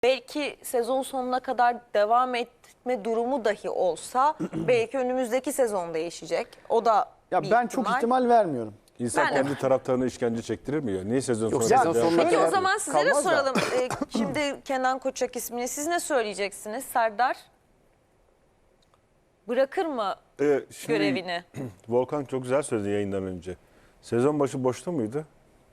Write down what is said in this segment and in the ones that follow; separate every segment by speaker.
Speaker 1: Belki sezon sonuna kadar devam etme durumu dahi olsa belki önümüzdeki sezon değişecek. O da
Speaker 2: Ya
Speaker 1: bir
Speaker 2: ben çok ihtimal vermiyorum.
Speaker 3: İnsan
Speaker 1: Ben de.
Speaker 3: kendi taraftarına işkence çektirir mi ya? Niye sezon
Speaker 2: Yok,
Speaker 3: sonuna
Speaker 2: sezon
Speaker 3: kadar-
Speaker 2: sonuna
Speaker 1: Peki
Speaker 2: kadar
Speaker 1: o zaman size de
Speaker 2: kalmaz da.
Speaker 1: soralım. Şimdi Kenan Koçak ismini siz ne söyleyeceksiniz Serdar? Bırakır mı
Speaker 3: Şimdi
Speaker 1: görevini?
Speaker 3: Volkan çok güzel söyledi yayından önce. Sezon başı boşta mıydı?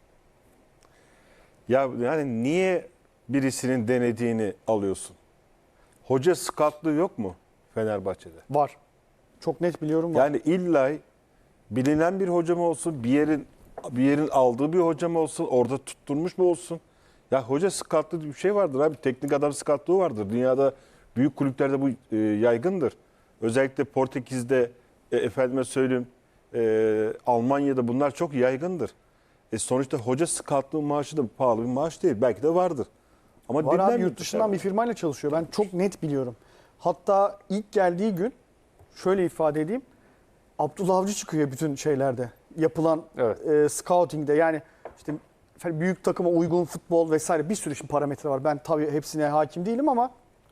Speaker 3: Ya yani niye birisinin denediğini alıyorsun? Hoca scoutluğu yok mu Fenerbahçe'de?
Speaker 2: Var. Çok net biliyorum var.
Speaker 3: Yani illa bilinen bir hoca mı olsun, bir yerin aldığı bir hoca mı olsun, orada tutturmuş mu olsun? Ya hoca scoutluğu bir şey vardır abi. Teknik adam scoutluğu vardır. Dünyada büyük kulüplerde bu yaygındır. Özellikle Portekiz'de, efendime söyleyeyim, Almanya'da bunlar çok yaygındır. Sonuçta hoca scoutluğu maaşı da pahalı bir maaş değil. Belki de vardır. Ama
Speaker 2: Var abi,
Speaker 3: dinlenmiyor
Speaker 2: yurt dışından bir
Speaker 3: dışarıda.
Speaker 2: firmayla çalışıyor. Ben çok net biliyorum. Hatta ilk geldiği gün şöyle ifade edeyim. Abdullah Avcı çıkıyor bütün şeylerde. Yapılan scouting'de, yani işte büyük takıma uygun futbol vesaire bir sürü şimdi parametre var. Ben tabii hepsine hakim değilim ama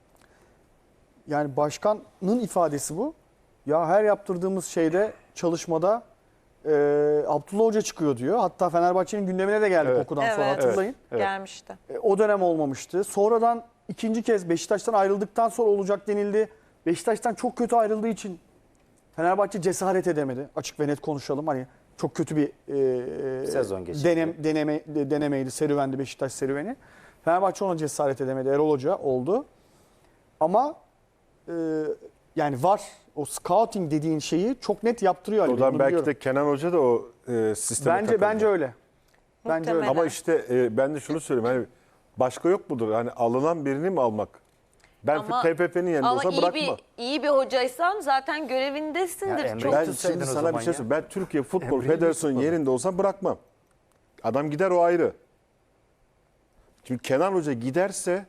Speaker 2: yani başkanın ifadesi bu. Ya her yaptırdığımız şeyde, çalışmada Abdullah Hoca çıkıyor diyor. Hatta Fenerbahçe'nin gündemine de geldik okuldan sonra,
Speaker 1: Evet.
Speaker 2: hatırlayın.
Speaker 1: Gelmişti.
Speaker 2: O dönem olmamıştı. Sonradan ikinci kez Beşiktaş'tan ayrıldıktan sonra olacak denildi. Beşiktaş'tan çok kötü ayrıldığı için Fenerbahçe cesaret edemedi. Açık ve net konuşalım. Hani çok kötü bir
Speaker 4: Sezon geçirdi.
Speaker 2: denemeydi, serüvendi Beşiktaş serüveni. Fenerbahçe ona cesaret edemedi. Erol Hoca oldu. Ama yani var. O scouting dediğin şeyi çok net yaptırıyor Ali Bey,
Speaker 3: Oradan
Speaker 2: bunu
Speaker 3: belki
Speaker 2: biliyorum.
Speaker 3: de Kenan Hoca da o sisteme takıldı.
Speaker 2: Bence öyle. Bence öyle.
Speaker 1: Muhtemelen.
Speaker 3: Ama işte ben de şunu söyleyeyim. Hani başka yok mudur? Hani alınan birini mi almak? Ben
Speaker 1: Ama-
Speaker 3: TFF'nin yanında
Speaker 1: Ama
Speaker 3: olsa
Speaker 1: iyi
Speaker 3: bırakma.
Speaker 1: iyi bir hocaysan zaten görevindesindir.
Speaker 4: Ya Emre
Speaker 1: Çok
Speaker 3: Ben
Speaker 4: tutsaydın
Speaker 3: şimdi
Speaker 4: o
Speaker 3: sana
Speaker 4: zaman
Speaker 3: bir şey
Speaker 4: ya.
Speaker 3: söyleyeyim. Ben Türkiye Futbol
Speaker 4: Emre'yi
Speaker 3: Federasyonu
Speaker 4: tutmadın.
Speaker 3: yerinde olsam bırakmam. Adam gider, o ayrı. Çünkü Kenan Hoca giderse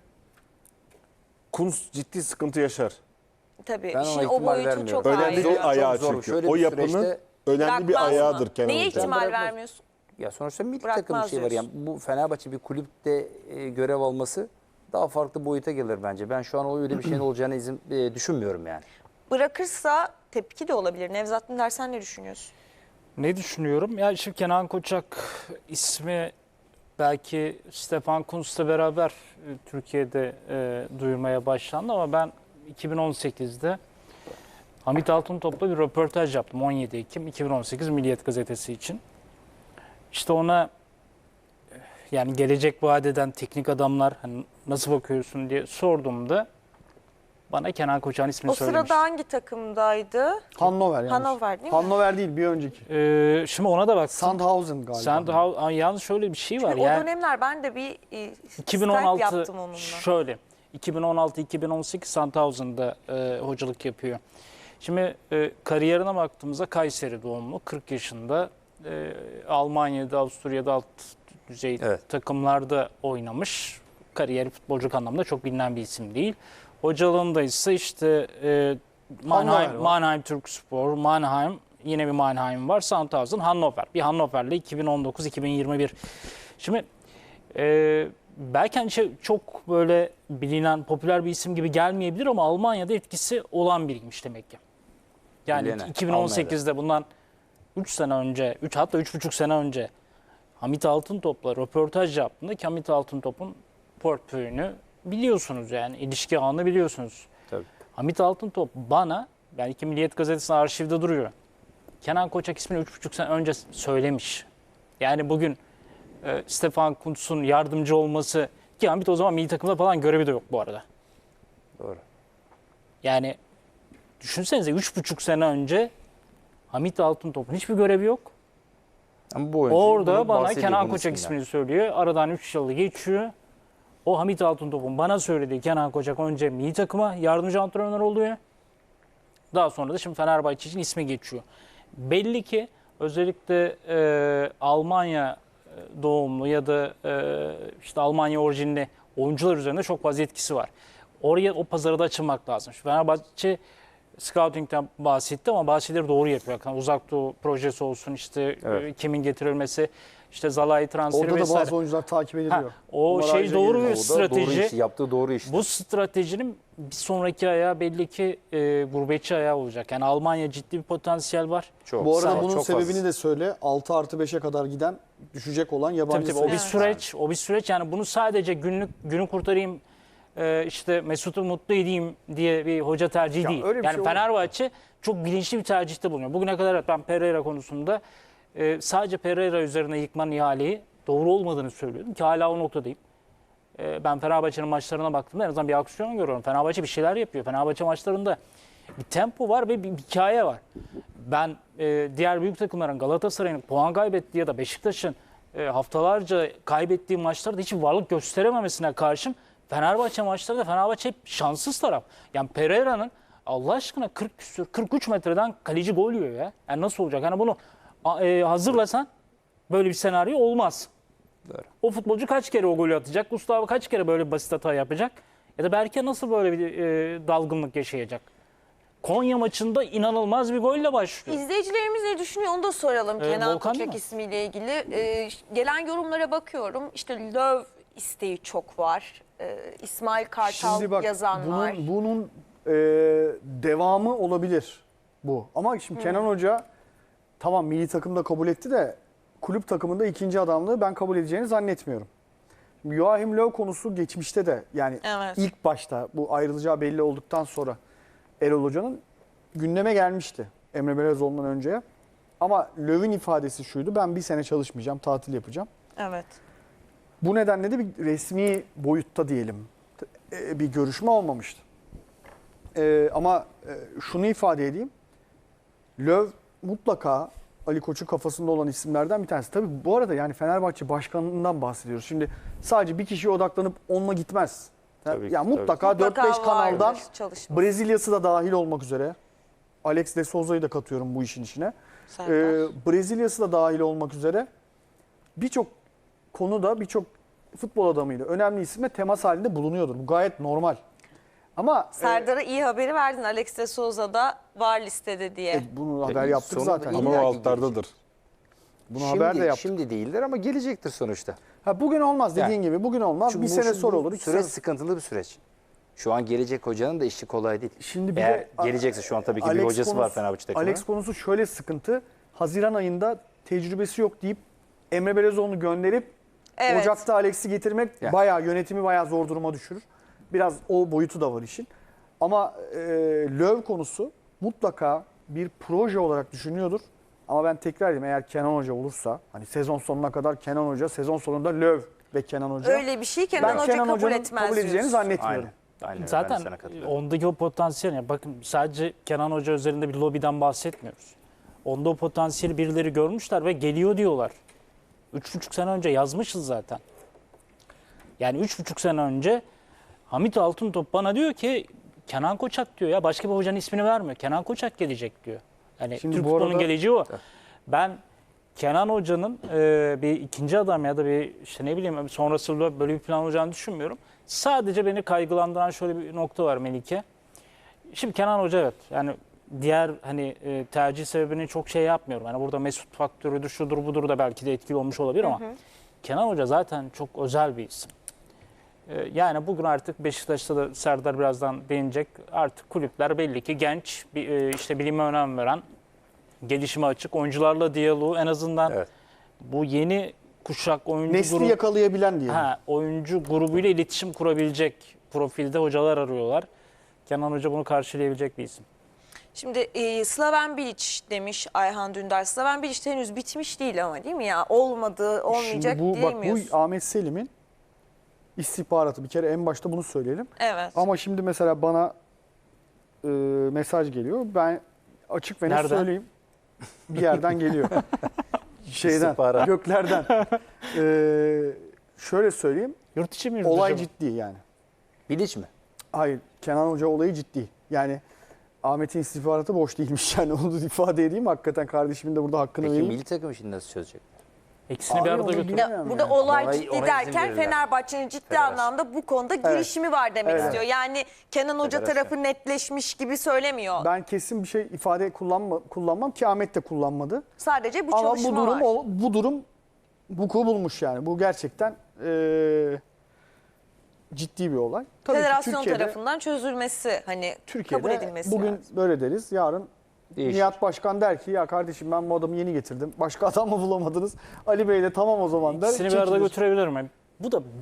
Speaker 3: Kuntz ciddi sıkıntı yaşar.
Speaker 1: tabii.
Speaker 4: Ben ona
Speaker 1: İşin o
Speaker 4: ihtimal
Speaker 1: boyutu
Speaker 4: vermiyorum.
Speaker 1: çok
Speaker 3: Önemli
Speaker 1: ayrı.
Speaker 3: bir
Speaker 4: Çok
Speaker 3: ayağı
Speaker 4: zor.
Speaker 3: çünkü.
Speaker 4: Şöyle
Speaker 3: O
Speaker 4: bir
Speaker 3: yapının
Speaker 4: süreçte
Speaker 3: önemli bir
Speaker 1: Bırakmaz mı?
Speaker 3: ayağıdır Kenan
Speaker 1: Neye
Speaker 3: Hoca.
Speaker 1: ihtimal
Speaker 4: Bırakmaz.
Speaker 1: vermiyorsun?
Speaker 4: Ya sonuçta milli
Speaker 1: Bırakmaz
Speaker 4: takım bir şey var.
Speaker 1: diyorsun.
Speaker 4: Yani bu Fenerbahçe bir kulüpte görev alması daha farklı boyuta gelir bence. Ben şu an öyle bir şeyin olacağını düşünmüyorum yani.
Speaker 1: Bırakırsa tepki de olabilir. Nevzat Dindar, sen ne düşünüyorsun?
Speaker 5: Ne düşünüyorum? Ya şimdi Kenan Koçak ismi belki Stefan Kuntz'la beraber Türkiye'de duyurmaya başlandı ama ben 2018'de Hamit Altıntop'la bir röportaj yaptım 17 Ekim 2018 Milliyet Gazetesi için. İşte ona yani gelecek vaat eden teknik adamlar hani nasıl bakıyorsun diye sorduğumda bana Kenan Koçak'ın ismini
Speaker 1: O
Speaker 5: söylemişti.
Speaker 1: sırada hangi takımdaydı?
Speaker 2: Hannover yanlış.
Speaker 1: Hannover değil mi?
Speaker 2: Hannover değil, bir önceki.
Speaker 5: Şimdi ona da baktım.
Speaker 2: Sandhausen galiba.
Speaker 5: Sandhausen, yalnız şöyle bir şey var.
Speaker 1: Çünkü o
Speaker 5: Yani
Speaker 1: dönemler ben de bir Skype
Speaker 5: 2016
Speaker 1: yaptım onunla.
Speaker 5: şöyle 2016-2018 Sandhausen'da hocalık yapıyor. Şimdi kariyerine baktığımızda Kayseri doğumlu, 40 yaşında, Almanya'da, Avusturya'da alt düzey takımlarda oynamış. Kariyeri futbolculuk anlamda çok bilinen bir isim değil. Hocalığında ise işte Mannheim Türkspor, Mannheim, yine bir Mannheim var, Sandhausen, Hannover. Bir Hannover'le 2019-2021. Şimdi belki hani çok böyle bilinen, popüler bir isim gibi gelmeyebilir ama Almanya'da etkisi olan biriymiş demek ki. Yani
Speaker 4: Bilene,
Speaker 5: 2018'de bundan 3 sene önce, hatta 3,5 sene önce Hamit Altıntop'la röportaj yaptığında ki Hamit Altıntop'un portföyünü biliyorsunuz, yani ilişki ağını biliyorsunuz.
Speaker 4: Tabii.
Speaker 5: Hamit Altıntop bana, belki Milliyet Gazetesi'nin arşivde duruyor, Kenan Koçak ismini 3,5 sene önce söylemiş. Yani bugün Stefan Kuntz'un yardımcı olması, ki Hamit o zaman milli takımda falan görevi de yok bu arada.
Speaker 4: Doğru.
Speaker 5: Yani düşünsenize 3,5 sene önce Hamit Altıntop'un hiçbir görevi yok.
Speaker 4: Ama bu oyuncu
Speaker 5: Orada
Speaker 4: bunu
Speaker 5: bana
Speaker 4: bahsediyor
Speaker 5: Kenan
Speaker 4: bunun
Speaker 5: Koçak
Speaker 4: isminden.
Speaker 5: ismini söylüyor. Aradan 3 yıl geçiyor. O Hamit Altıntop'un bana söylediği Kenan Koçak önce milli takıma yardımcı antrenör oluyor. Daha sonra da şimdi Fenerbahçe için ismi geçiyor. Belli ki özellikle Almanya doğumlu ya da işte Almanya orijinli oyuncular üzerinde çok fazla etkisi var. Oraya, o pazara da açılmak lazım. Şu Fenerbahçe scouting'den bahsetti ama bahsetleri doğru yapıyor. Yani Uzak Doğu projesi olsun, işte kimin getirilmesi, işte Zalai transferi
Speaker 2: Orada da
Speaker 5: vesaire.
Speaker 2: bazı oyuncular takip ediliyor.
Speaker 5: Ha, o
Speaker 2: Onlar
Speaker 5: şey
Speaker 2: ayrıca
Speaker 5: doğru
Speaker 2: geliyor.
Speaker 5: bir
Speaker 4: O da doğru
Speaker 5: strateji.
Speaker 4: iş, yaptığı doğru işte.
Speaker 5: Bu stratejinin bir sonraki ayağı belli ki gurbetçi ayağı olacak. Yani Almanya ciddi bir potansiyel var.
Speaker 4: Çok,
Speaker 2: Bu
Speaker 4: sağ
Speaker 2: arada
Speaker 4: ol,
Speaker 2: bunun
Speaker 4: çok
Speaker 2: sebebini
Speaker 4: fazla.
Speaker 2: de söyle. 6+5'e kadar giden düşecek olan yabancı
Speaker 5: Tabii tabii o bir
Speaker 2: sayısı.
Speaker 5: süreç, o bir süreç. Yani bunu sadece günü kurtarayım, işte Mesut'u mutlu edeyim diye bir hoca tercihi
Speaker 2: Ya
Speaker 5: değil.
Speaker 2: öyle bir
Speaker 5: Yani
Speaker 2: şey olur.
Speaker 5: Fenerbahçe çok bilinçli bir tercihte bulunuyor. Bugüne kadar ben Pereira konusunda sadece Pereira üzerine yıkmanın ihaleyi doğru olmadığını söylüyordum ki hala o noktadayım. Ben Fenerbahçe'nin maçlarına baktığımda en azından bir aksiyon görüyorum. Fenerbahçe bir şeyler yapıyor. Fenerbahçe maçlarında bir tempo var ve bir hikaye var. Ben diğer büyük takımların Galatasaray'ın puan kaybettiği ya da Beşiktaş'ın haftalarca kaybettiği maçlarda hiç varlık gösterememesine karşın Fenerbahçe maçlarında Fenerbahçe hep şanssız taraf. Yani Pereira'nın Allah aşkına 40 küsür 43 metreden kaleci gol yiyor ya. Yani nasıl olacak? Yani bunu hazırlasan böyle bir senaryo olmaz.
Speaker 4: Doğru.
Speaker 5: O futbolcu kaç kere o golü atacak? Gustavo kaç kere böyle basit hata yapacak? Ya da Berke nasıl böyle bir dalgınlık yaşayacak? Konya maçında inanılmaz bir golle başlıyor.
Speaker 1: İzleyicilerimiz ne düşünüyor onu da soralım Kenan
Speaker 5: Volkan değil
Speaker 1: Koçak
Speaker 5: mi?
Speaker 1: ismiyle ilgili. Gelen yorumlara bakıyorum. İşte Löw isteği çok var. İsmail Kartal
Speaker 2: Şimdi bak
Speaker 1: yazan var.
Speaker 2: bunun devamı olabilir bu. Ama şimdi Kenan Hoca tamam milli takımda kabul etti de kulüp takımında ikinci adamlığı ben kabul edeceğini zannetmiyorum. Şimdi Joachim Löw konusu geçmişte de yani
Speaker 1: Evet.
Speaker 2: ilk başta bu ayrılacağı belli olduktan sonra Erol Hoca'nın gündeme gelmişti Emre Belezoğlu'ndan önceye. Ama Löw'ün ifadesi şuydu: ben bir sene çalışmayacağım, tatil yapacağım.
Speaker 1: Evet.
Speaker 2: Bu nedenle de bir resmi boyutta diyelim bir görüşme olmamıştı. Ama şunu ifade edeyim. Löw mutlaka Ali Koç'un kafasında olan isimlerden bir tanesi. Tabii bu arada yani Fenerbahçe başkanından bahsediyoruz. Şimdi sadece bir kişiye odaklanıp onunla gitmez.
Speaker 4: Tabii ki,
Speaker 2: Yani mutlaka
Speaker 1: Mutlaka
Speaker 2: 4-5 kanaldan
Speaker 1: vardır çalışma.
Speaker 2: Brezilya'sı da dahil olmak üzere. Alex de Souza'yı da katıyorum bu işin içine.
Speaker 1: Serdar.
Speaker 2: Brezilya'sı da dahil olmak üzere birçok konuda birçok futbol adamıyla önemli isimle temas halinde bulunuyordur. Bu gayet normal. Ama
Speaker 1: Serdar'a iyi haberi verdin. Alex de Souza da var listede diye.
Speaker 2: bunu haber yaptık
Speaker 4: sonunda
Speaker 2: zaten.
Speaker 4: iyi-
Speaker 3: Ama o
Speaker 4: İlla ki
Speaker 3: altlardadır.
Speaker 2: Bunu haber de yaptık.
Speaker 4: Şimdi değildir ama gelecektir sonuçta.
Speaker 2: Ha, bugün olmaz dediğin gibi. Bugün olmaz.
Speaker 4: Çünkü
Speaker 2: Bir sene sonra
Speaker 4: bu
Speaker 2: olur. 2
Speaker 4: süreç
Speaker 2: sene.
Speaker 4: sıkıntılı bir süreç. Şu an gelecek hocanın da işi kolay değil.
Speaker 2: Şimdi bir
Speaker 4: Eğer
Speaker 2: de
Speaker 4: gelecekse şu an tabii ki bir
Speaker 2: Alex
Speaker 4: hocası var
Speaker 2: konusu-
Speaker 4: Fenerbahçe takımının.
Speaker 2: Alex konusu şöyle sıkıntı. Haziran ayında tecrübesi yok deyip Emre Belezoğlu'nu gönderip
Speaker 1: Evet.
Speaker 2: Ocak'ta Alex'i getirmek
Speaker 4: Ya.
Speaker 2: yönetimi bayağı zor duruma düşürür. Biraz o boyutu da var işin. Ama Löw konusu mutlaka bir proje olarak düşünüyordur. Ama ben tekrar edeyim, eğer Kenan Hoca olursa hani sezon sonuna kadar Kenan Hoca, sezon sonunda Löw ve Kenan Hoca.
Speaker 1: Öyle bir şey Kenan
Speaker 2: Ben
Speaker 1: Hoca
Speaker 2: Kenan
Speaker 1: kabul
Speaker 2: Hoca'nın
Speaker 1: etmez
Speaker 2: kabul edeceğini
Speaker 1: diyorsun.
Speaker 2: zannetmiyorum.
Speaker 4: Aynen. Ben de
Speaker 5: Zaten
Speaker 4: sana katılıyorum.
Speaker 5: ondaki o potansiyel, yani bakın sadece Kenan Hoca üzerinde bir lobiden bahsetmiyoruz. Onda o potansiyeli birileri görmüşler ve geliyor diyorlar. 3,5 sene önce yazmışız zaten. Yani 3,5 sene önce Hamit Altıntop bana diyor ki Kenan Koçak diyor ya, başka bir hocanın ismini vermiyor. Kenan Koçak gelecek diyor. Yani
Speaker 2: Şimdi
Speaker 5: Türk
Speaker 2: bu
Speaker 5: futbolunun
Speaker 2: arada-
Speaker 5: geleceği o. Ben Kenan Hoca'nın bir ikinci adam ya da bir işte ne bileyim sonrasında böyle bir plan olacağını düşünmüyorum. Sadece beni kaygılandıran şöyle bir nokta var Melike. Şimdi Kenan Hoca evet yani diğer hani tercih sebebini çok şey yapmıyorum. Yani burada Mesut faktörüdür, şudur budur da belki de etkili olmuş olabilir ama Kenan Hoca zaten çok özel bir isim. Yani bugün artık Beşiktaş'ta da Serdar birazdan değinecek. Artık kulüpler belli ki genç, işte bilime önem veren, gelişime açık, oyuncularla diyaloğu en azından
Speaker 4: Evet.
Speaker 5: bu yeni kuşak oyuncu
Speaker 2: Nesli yakalayabilen diyelim.
Speaker 5: oyuncu grubuyla iletişim kurabilecek profilde hocalar arıyorlar. Kenan Hoca bunu karşılayabilecek bir isim.
Speaker 1: Şimdi Slaven Bilic demiş Ayhan Dündar. Slaven Bilic henüz bitmiş değil ama değil mi ya? Olmadı, olmayacak
Speaker 2: Şimdi bu
Speaker 1: diyemiyorsun.
Speaker 2: Ahmet Selim'in istihbaratı, bir kere en başta bunu söyleyelim.
Speaker 1: Evet.
Speaker 2: Ama şimdi mesela bana mesaj geliyor. Ben açık ve net
Speaker 5: Nereden?
Speaker 2: söyleyeyim. Bir yerden geliyor. Şeyden,
Speaker 4: İstihbarat.
Speaker 2: göklerden. Şöyle söyleyeyim.
Speaker 5: Yurt içi mi yurt
Speaker 2: Olay
Speaker 5: dışı mı?
Speaker 2: ciddi yani.
Speaker 4: Bilic mi?
Speaker 2: Hayır, Kenan Hoca olayı ciddi. Yani Ahmet'in istihbaratı boş değilmiş yani, onu ifade edeyim. Hakikaten kardeşimin de burada hakkını
Speaker 4: Peki
Speaker 2: vereyim.
Speaker 4: milli takım işini nasıl çözecek?
Speaker 5: İkisini
Speaker 2: Abi
Speaker 5: bir arada
Speaker 2: onu
Speaker 5: götür.
Speaker 2: bilmiyorum.
Speaker 1: Ya, burada
Speaker 2: yani.
Speaker 1: olay
Speaker 4: Ona-
Speaker 1: ciddi
Speaker 4: ona izin
Speaker 1: derken
Speaker 4: verirler.
Speaker 1: Fenerbahçe'nin ciddi
Speaker 4: Federasyon.
Speaker 1: anlamda bu konuda girişimi var demek
Speaker 2: Evet.
Speaker 1: istiyor. Yani Kenan Hoca
Speaker 4: Federasyon.
Speaker 1: tarafı netleşmiş gibi söylemiyor.
Speaker 2: Ben kesin bir şey ifade kullanmam ki Ahmet de kullanmadı.
Speaker 1: Sadece bu
Speaker 2: Ama
Speaker 1: çalışma var.
Speaker 2: bu durum vuku bulmuş yani. Bu gerçekten ciddi bir olay. Tabii ki
Speaker 1: Federasyon
Speaker 2: Türkiye'de-
Speaker 1: tarafından çözülmesi kabul
Speaker 2: Türkiye'de
Speaker 1: edilmesi
Speaker 2: bugün
Speaker 1: lazım.
Speaker 2: böyle deriz. Yarın
Speaker 4: Değişir.
Speaker 2: Nihat Başkan der ki ya kardeşim ben bu adamı yeni getirdim. Başka adam mı bulamadınız? Ali Bey de tamam o zaman der.
Speaker 5: İkisini bir arada
Speaker 2: çekilir.
Speaker 5: götürebilir mi? Bu da